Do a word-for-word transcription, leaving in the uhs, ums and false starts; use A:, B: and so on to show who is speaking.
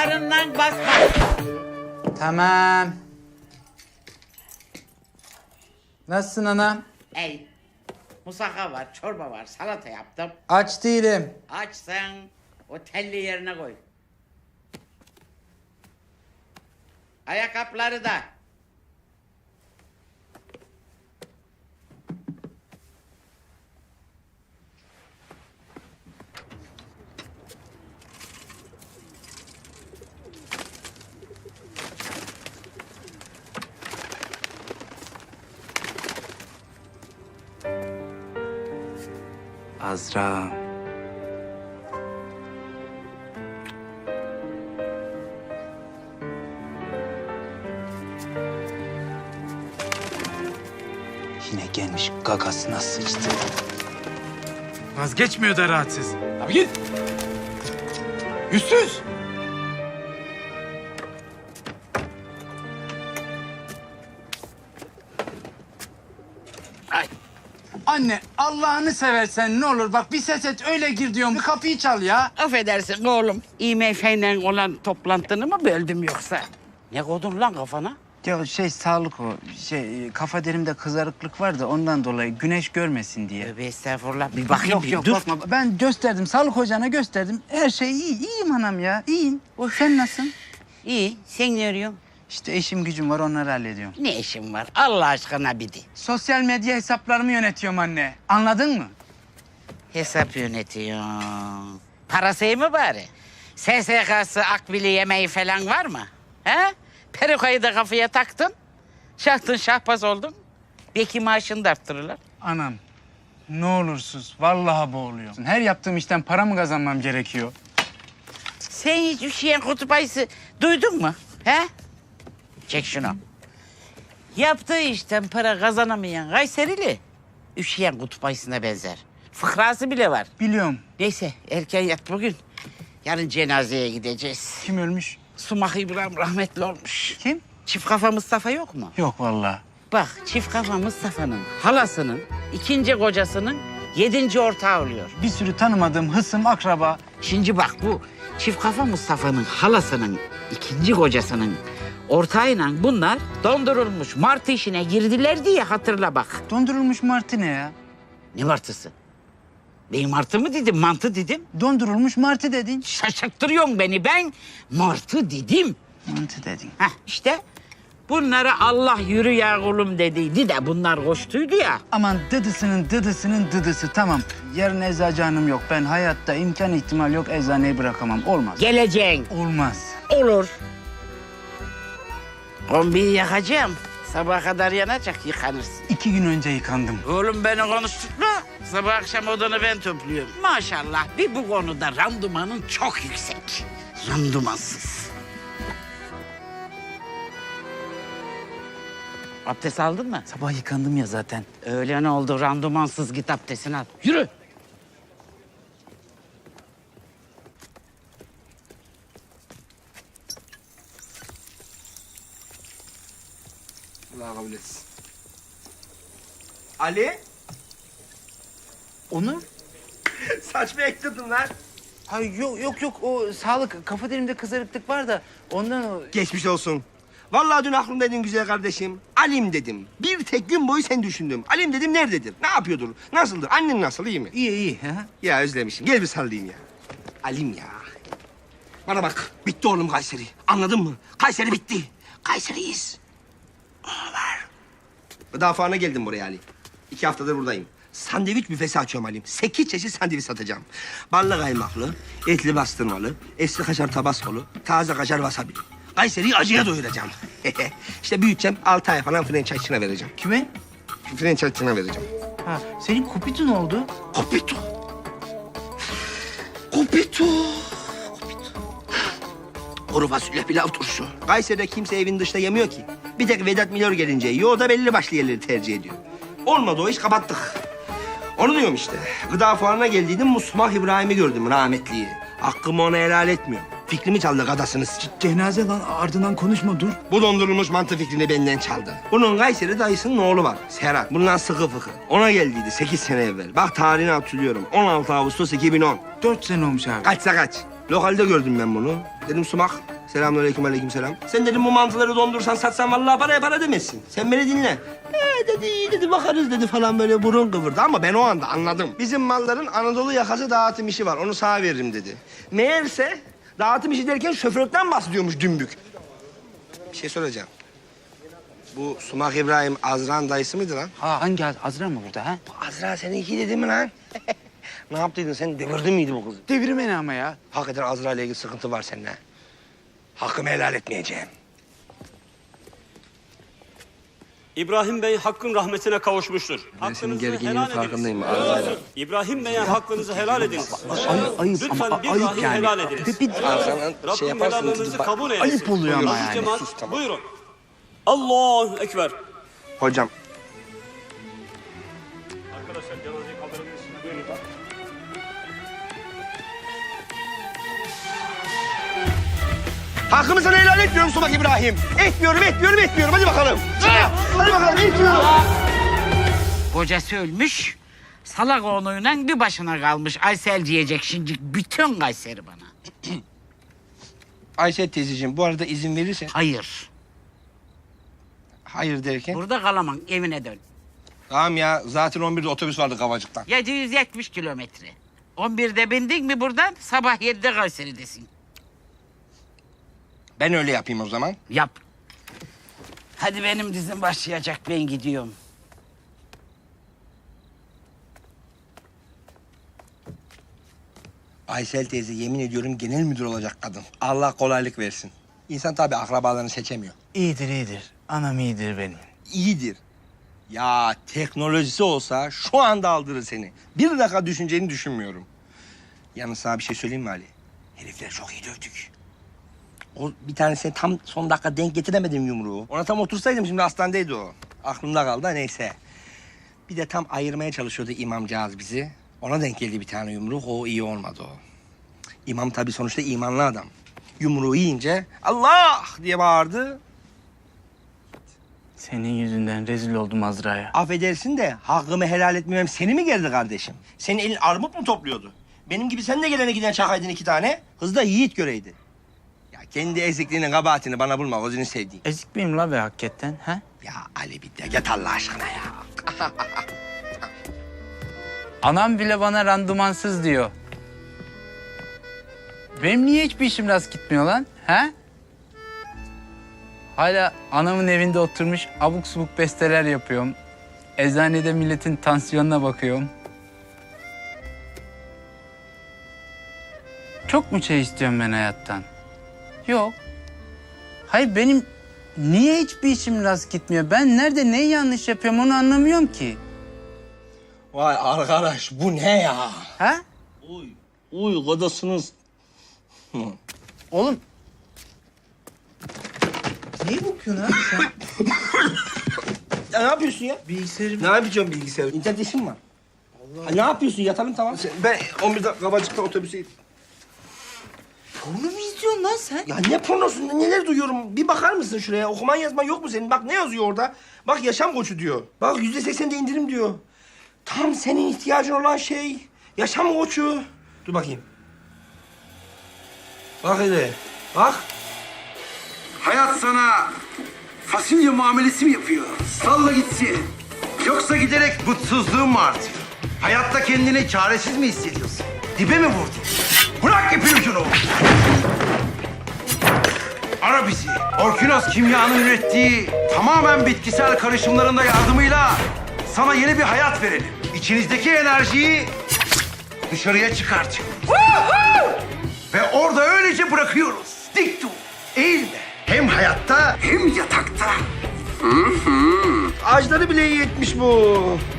A: ayaklarından basma.
B: Tamam. Nasılsın anam?
A: Ey, musaka var, çorba var, salata yaptım.
B: Aç değilim.
A: Açsan o telli yerine koy. Ayakkabıları da.
B: Azra. Yine gelmiş gagasına sıçtı.
C: Vazgeçmiyor da rahatsız. Abi git. Yüzsüz.
B: Anne Allah'ını seversen ne olur bak bir ses et öyle gir diyorum. Bir kapıyı çal ya.
A: Affedersin oğlum. İ M F'yle olan toplantını mı böldüm yoksa? Ne koydun lan kafana?
B: Ya şey sağlık o. Şey kafa derimde kızarıklık var da ondan dolayı güneş görmesin diye.
A: Tövbe estağfurullah. Bir bakayım.
B: Yok
A: bir,
B: yok
A: dur.
B: bakma. Ben gösterdim sağlık hocana gösterdim. Her şey iyi. İyiyim anam ya. İyiyim. Sen nasılsın?
A: İyi. Sen ne arıyorsun?
B: İşte işim gücüm var onları hallediyorum.
A: Ne işin var? Allah aşkına bir de.
B: Sosyal medya hesaplarımı yönetiyorum anne. Anladın mı?
A: Hesap yönetiyorsun. Parası iyi mi bari? S S K'sı, akbili yemeği falan var mı? He? Perukayı da kafaya taktın. Şahtın şahbaz oldun. Belki maaşını da arttırırlar.
B: Anam ne olursuz vallahi boğuluyorum. Her yaptığım işten para mı kazanmam gerekiyor?
A: Sen hiç üşüyen kutup ayısı duydun mu? He? Çek şunu. Yaptığı işten para kazanamayan Kayserili üşüyen kutup ayısına benzer. Fıkrası bile var.
B: Biliyorum.
A: Neyse erken yat bugün. Yarın cenazeye gideceğiz.
B: Kim ölmüş?
A: Sumak İbrahim rahmetli olmuş.
B: Kim?
A: Çift kafa Mustafa yok mu?
B: Yok vallahi.
A: Bak çift kafa Mustafa'nın halasının ikinci kocasının yedinci ortağı oluyor.
B: Bir sürü tanımadığım hısım, akraba.
A: Şimdi bak bu çift kafa Mustafa'nın halasının ikinci kocasının ortağıyla bunlar dondurulmuş martı işine girdiler diye hatırla bak.
B: Dondurulmuş martı ne ya?
A: Ne martısı? Ben martı mı dedim, mantı dedim.
B: Dondurulmuş martı dedin.
A: Şaşırttırıyorsun beni, ben martı dedim.
B: Mantı dedin.
A: Heh işte bunlara Allah yürü ya kulum dediydi de bunlar koştuydu ya.
B: Aman dıdısının dıdısının dıdısı tamam. Yarın eczacı hanım yok. Ben hayatta imkan ihtimal yok eczaneyi bırakamam. Olmaz.
A: Geleceğin.
B: Olmaz.
A: Olur. Kombiyi yakacağım. Sabaha kadar yanacak, yıkanırsın.
B: İki gün önce yıkandım.
A: Oğlum beni konuşturma. Sabah akşam odanı ben topluyorum. Maşallah bir bu konuda randımanın çok yüksek. Randımansız. Abdest aldın mı?
B: Sabah yıkandım ya zaten.
A: Öyle ne oldu? Randımansız git abdestini al. Yürü.
D: Allah kabul etsin. Ali,
B: Onur?
D: saç mı ektirdin lan?
B: Ay yok yok yok o sağlık kafa derimde kızarıklık var da ondan o...
D: Geçmiş olsun. Vallahi dün aklımdaydın güzel kardeşim. Alim dedim. Bir tek gün boyu sen düşündüm. Alim dedim nerededir? Ne yapıyordur? Nasıldır? Annen nasıl? İyi mi?
B: İyi iyi. Ha?
D: Ya özlemişim. Gel bir sallayayım ya. Alim ya. Bana bak. Bitti oğlum Kayseri. Anladın mı? Kayseri bitti. Kayseriyiz. Var. Daha sonra geldim buraya Ali. İki haftadır buradayım. Sandviç büfesi açıyorum Halim. Sekiz çeşit sandviç satacağım. Ballı kaymaklı, etli bastırmalı, eski kaşar tabaskolu, taze kaşar wasabi. Kayseri'yi acıya doyuracağım. İşte büyüteceğim, altı ay falan franchise'ına vereceğim.
B: Kime?
D: Franchise'ına vereceğim.
B: Ha, senin kupitun oldu.
D: Kopito. Kopito. Kuru fasulye pilav turşu. Kayseri'de kimse evin dışında yemiyor ki. Bir tek Vedat Milor gelince yiyor, o da belli başlı yerleri tercih ediyor. Olmadı o iş, kapattık. Onu diyorum işte. Gıda fuarına geldiydim, Musmah İbrahim'i gördüm, rahmetliyi. Hakkımı ona helal etmiyor. Fikrimi çaldı gadasını.
B: Cenaze lan ardından konuşma dur.
D: Bu dondurulmuş mantı fikrini benden çaldı. Bunun Kayseri dayısının oğlu var, Serhat. Bundan sıkı fıkı. Ona geldiydi sekiz sene evvel. Bak tarihini hatırlıyorum. on altı Ağustos iki bin on.
B: Dört sene olmuş abi.
D: Kaçsa kaç. Lokalde gördüm ben bunu. Dedim Sumak, Selamünaleyküm, aleykümselam. Sen dedim bu mantıları dondursan satsan vallahi paraya para demezsin. Sen beni dinle. Ee dedi, iyi dedi, bakarız dedi falan böyle burun kıvırdı ama ben o anda anladım. Bizim malların Anadolu yakası dağıtım işi var, onu sağa veririm dedi. Meğerse dağıtım işi derken şoförlükten bahsediyormuş dümbük. Bir şey soracağım. Bu Sumak İbrahim Azra'nın dayısı mıydı lan?
B: Ha hangi Az- Azra mı burada ha?
D: Azra seninki dedi mi lan? Ne yaptıydın sen, devirdin miydi bu kızı?
B: Devirmeni ama ya.
D: Hakikaten Azra ile ilgili sıkıntı var seninle. Hakkımı helal etmeyeceğim.
C: İbrahim Bey hakkın rahmetine kavuşmuştur.
D: Ben senin
C: Hakkınızı
D: gerginliğinin
C: helal ediniz.
D: farkındayım Azra'yla.
C: İbrahim Bey'e hakkınızı helal ediniz.
B: Ayıp, ayıp
C: Lütfen
B: ama
C: bir
B: ayıp
C: dahi
B: yani.
C: helal ediniz.
B: Bir, bir,
D: Azra'nın şey
C: Rabbim
D: yaparsın.
C: helallarınızı
D: bak-
C: kabul eylesin.
B: ayıp oluyor ama
C: Aziz
B: yani.
C: cemaat,
D: Sus, tamam.
C: buyurun. Allahu Ekber.
D: Hocam.
C: Arkadaşlar cenazeyi kaldırabilirsiniz. Buyurun.
D: Hakkımı sana helal etmiyorum Sumak İbrahim. Etmiyorum, etmiyorum, etmiyorum. Hadi bakalım. Hadi bakalım, etmiyorum.
A: Kocası ölmüş. Salak oğluyla bir başına kalmış. Aysel diyecek şimdi bütün Kayseri bana.
D: Ayşe teyzeciğim, bu arada izin verirsen...
A: Hayır.
D: Hayır derken?
A: Burada kalamam. Evine dön.
D: Tamam ya, zaten on birde otobüs vardı Kavacık'tan.
A: yedi yüz yetmiş kilometre. on birde bindin mi buradan sabah yedide Kayseri'desin.
D: Ben öyle yapayım o zaman.
A: Yap. Hadi benim dizim başlayacak. Ben gidiyorum.
D: Aysel teyze yemin ediyorum genel müdür olacak kadın. Allah kolaylık versin. İnsan tabii akrabalarını seçemiyor.
B: iyidir iyidir. Anam iyidir benim.
D: İyidir. Ya teknolojisi olsa şu anda aldırır seni. Bir dakika düşüneceğini düşünmüyorum. Yalnız sana bir şey söyleyeyim mi Ali? Herifler çok iyi dövdük. O bir tanesine tam son dakika denk getiremedim yumruğu. Ona tam otursaydım şimdi hastanedeydi o. Aklımda kaldı da neyse. Bir de tam ayırmaya çalışıyordu imamcağız bizi. Ona denk geldi bir tane yumruk. O iyi olmadı o. İmam tabii sonuçta imanlı adam. Yumruğu yiyince Allah diye bağırdı.
B: Senin yüzünden rezil oldum Azra'ya.
D: Affedersin de hakkımı helal etmemem seni mi gerdi kardeşim? Senin elin armut mu topluyordu? Benim gibi sen de gelene giden çakaydın iki tane. Kız da yiğit göreydi. Ya kendi ezikliğinin kabahatini bana bulma, gözünü sevdiğim.
B: Ezik miyim la be hakikaten ha?
D: Ya Ali bir de git Allah aşkına ya.
B: Anam bile bana randımansız diyor. Benim niye hiçbir işim rast gitmiyor lan? Ha? Hala anamın evinde oturmuş abuk subuk besteler yapıyorum. Eczanede milletin tansiyonuna bakıyorum. Çok mu şey istiyorum ben hayattan? Yok. Hayır benim niye hiçbir işim rast gitmiyor? Ben nerede neyi yanlış yapıyorum onu anlamıyorum ki.
D: Vay arkadaş bu ne ya?
B: Ha?
D: Uy, uy kodasınız.
B: Oğlum. Niye bakıyorsun abi sen?
D: Ya ne yapıyorsun ya?
B: Bilgisayarı...
D: Ne yapacağım bilgisayar? İnternet işim var. Allah. Ne yapıyorsun? Yatalım tamam. Sen- ben on birde Kabacık'ta otobüse...
B: Porno mu izliyorsun lan sen?
D: Ya ne pornosu? Neler duyuyorum? Bir bakar mısın şuraya? Okuman yazman yok mu senin? Bak ne yazıyor orada? Bak yaşam koçu diyor. Bak yüzde seksen de indirim diyor. Tam senin ihtiyacın olan şey. Yaşam koçu. Dur bakayım. Bak hele. Bak.
E: Hayat sana fasulye muamelesi mi yapıyor? Salla gitsin. Yoksa giderek mutsuzluğun mu artıyor? Hayatta kendini çaresiz mi hissediyorsun? Dibe mi vurdun? Bırak ipin ucunu. Ara bizi. Orkinos Kimya'nın ürettiği tamamen bitkisel karışımlarında yardımıyla sana yeni bir hayat verelim. İçinizdeki enerjiyi dışarıya çıkartın. Ve orada öylece bırakıyoruz. Dik dur, eğilme. Hem hayatta hem yatakta.
D: Ağaçları bile iyi etmiş bu.